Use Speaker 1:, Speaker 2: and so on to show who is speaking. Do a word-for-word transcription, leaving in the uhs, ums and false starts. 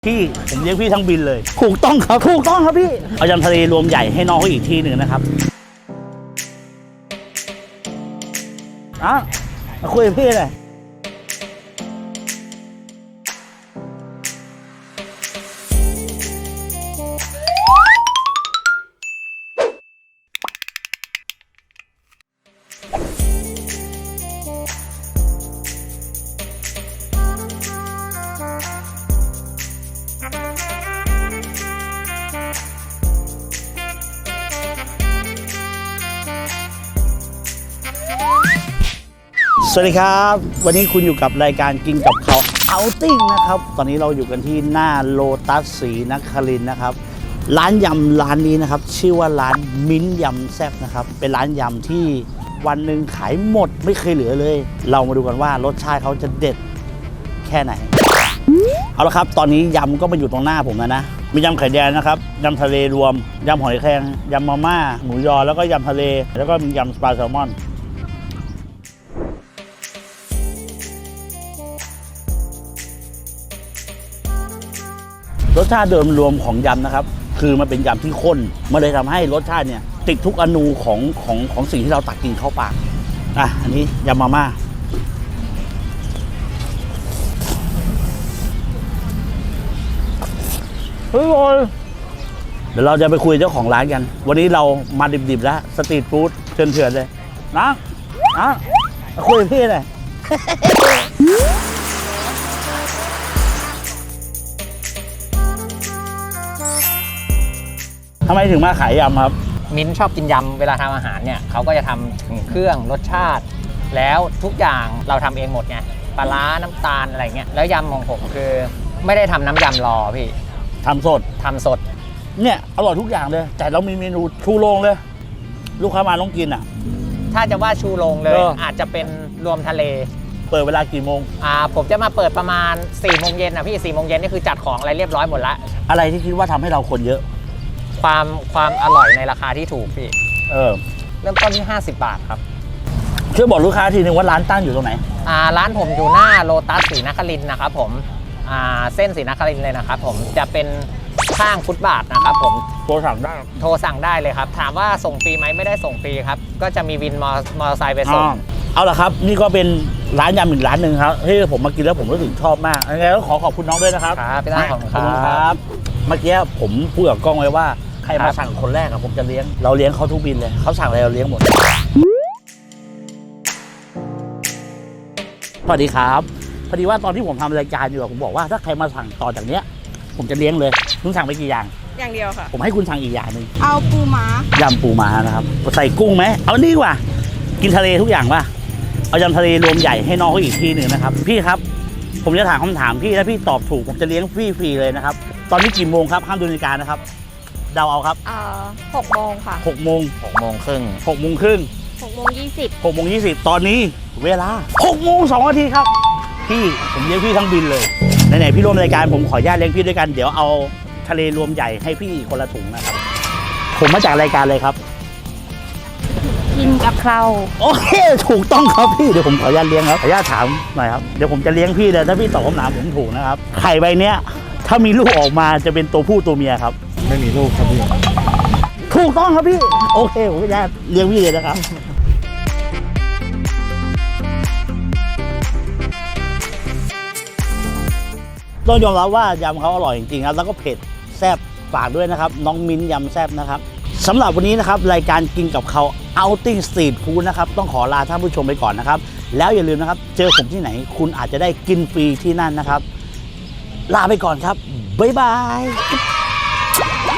Speaker 1: พี่ผมเลี้ยงพี่ทั้งบินเลยถูกต้องครับถูกต้องครับพี่เอายำทะเลรวมใหญ่ให้น้องเขาอีกทีหนึ่งนะครับอ่ะมาคุยกับพี่เลยสวัสดีครับวันนี้คุณอยู่กับรายการกินกับเขาเอาติ้งนะครับตอนนี้เราอยู่กันที่หน้าโลตัสศรีนครินทร์นะครับร้านยำร้านนี้นะครับชื่อว่าร้านมิ้นยำแซ่บนะครับเป็นร้านยำที่วันหนึ่งขายหมดไม่เคยเหลือเลยเรามาดูกันว่ารสชาติเขาจะเด็ดแค่ไหนเอาละครับตอนนี้ยำก็มาอยู่ตรงหน้าผมแล้วนะมียำไข่แดงนะครับยำทะเลรวมยำหอยแครงยำมาม่าหมูยอแล้วก็ยำทะเลแล้วก็มียำปลาแซลมอนรสชาติเดิมรวมของยำนะครับคือมันเป็นยำที่ข้นมันเลยทำให้รสชาติเนี่ยติดทุกอนูของของของสิ่งที่เราตักกินเข้าปากอ่ะอันนี้ยำมาม่าเฮ้ยบอยเดี๋ยวเราจะไปคุยเจ้าของร้านกันวันนี้เรามาดิบๆแล้วสตรีทฟู้ดเถื่อนๆเลยนะนะมาคุยกับพี่หน่อยทำไมถึงมาขายยำครับ
Speaker 2: มิ้นชอบกินยำเวลาทำอาหารเนี่ยเขาก็จะทำถึงเครื่องรสชาติแล้วทุกอย่างเราทำเองหมดไงปลาร้าน้ำตาลอะไรเงี้ยแล้วยำของผมคือไม่ได้ทำน้ำยำรอพี่
Speaker 1: ทำสด
Speaker 2: ทำสด
Speaker 1: เนี่ยอร่อยทุกอย่างเลยแต่เรามีเมนูชูโรงเลยลูกค้ามาต้องกินอ่ะ
Speaker 2: ถ้าจะว่าชูโรงเลยอาจจะเป็นรวมทะเล
Speaker 1: เปิดเวลากี่โมง
Speaker 2: อ่าผมจะมาเปิดประมาณสี่โมงเย็นนะพี่สี่โมงเย็นนี่คือจัดของอะไรเรียบร้อยหมดละ
Speaker 1: อะไรที่คิดว่าทำให้เราคนเยอะ
Speaker 2: ความความอร่อยในราคาที่ถูกพี่
Speaker 1: เออ
Speaker 2: เริ่มต้นที่ห้าสิบบาทครับ
Speaker 1: ช่วยบอกลูกค้าทีนึงว่าร้านตั้งอยู่ตรงไหน
Speaker 2: อ่าร้านผมอยู่หน้าโลตัสศรีนครินทร์นะครับผมอ่าเส้นศรีนครินทร์เลยนะครับผมจะเป็นข้างฟุตบาทนะครับผม
Speaker 1: โทรสั่งได้
Speaker 2: โทรสั่งได้เลยครับถามว่าส่งฟรีไหมไม่ได้ส่งฟรีครับก็จะมีวินมอมอเตอร์ไซค์ไปส่ง
Speaker 1: เอาล่ะครับนี่ก็เป็นร้านยำอีกร้านหนึ่งครับที่ผมมากินแล้วผมรู้สึกชอบมากยังไงก็ขอขอบคุณน้องด้วยนะครับ
Speaker 2: ครับพี่ตั้งขอบคุณ
Speaker 1: ครับเมื่อกี้ผมพูดกับกล้องไว้ว่าใครมาสั่งคนแรกอะผมจะเลี้ยงเราเลี้ยงเขาทุกบินเลยเขาสั่งอะไรเราเลี้ยงหมดสวัสดีครับพอดีว่าตอนที่ผมทำรายการอยู่ผมบอกว่าถ้าใครมาสั่งต่อจากเนี้ยผมจะเลี้ยงเลยคุณสั่งไปกี่อย่าง
Speaker 3: อย่างเดียวค่ะ
Speaker 1: ผมให้คุณสั่งอีกอย่างหนึ่ง
Speaker 3: เอาปูม้าย
Speaker 1: ำปูม้านะครับใส่กุ้งไหมเอานี่กว่ากินทะเลทุกอย่างป่ะเอายำทะเลรวมใหญ่ให้น้องเขาอีกทีหนึ่งนะครับพี่ครับผมจะถามคำถามพี่ถ้าพี่ตอบถูกผมจะเลี้ยงฟรีฟรีเลยนะครับตอนนี้กี่โมงครับห้ามดูนาฬิกานะครับเดาเอาครับ
Speaker 3: อ่าหกโมงค่ะ
Speaker 1: หกโมง
Speaker 2: หกโมงครึ่ง
Speaker 1: หกโมงครึ่ง
Speaker 3: หกโมงยี่สิบ
Speaker 1: หกโมงยี่สิบตอนนี้เวลาหกโมงสองนาทีครับพี่ผมเลี้ยงพี่ทั้งบินเลยไหนๆพี่ร่วมรายการผมขออนุญาตเลี้ยงพี่ด้วยกันเดี๋ยวเอาทะเลรวมใหญ่ให้พี่คนละถุงนะครับผมมาจากรายการเลยครับ
Speaker 3: กินกับเรา
Speaker 1: โอเคถูกต้องครับพี่เดี๋ยวผมขออนุญาตเลี้ยงครับขออนุญาตถามหน่อยครับเดี๋ยวผมจะเลี้ยงพี่เลยถ้าพี่ตอบคำถามผมถูกนะครับไข่ใบเนี้ยถ้ามีลูกออกมาจะเป็นตัวผู้ตัวเมียครับ
Speaker 4: ไม่มีลูกครับพี่
Speaker 1: ถูกต้องครับพี่โอเคผมขออนุญาตเลี้ยงพี่เลยนะครับต้องยอมรับว่ายำเขาอร่อยจริงๆครับแล้วก็เผ็ดแซ่บฝากด้วยนะครับน้องมิ้นยำแซ่บนะครับสำหรับวันนี้นะครับรายการกินกับเขาเอาติ้งสตรีทฟู้ดนะครับต้องขอลาท่านผู้ชมไปก่อนนะครับแล้วอย่าลืมนะครับเจอผมที่ไหนคุณอาจจะได้กินฟรีที่นั่นนะครับลาไปก่อนครับบ๊ายบาย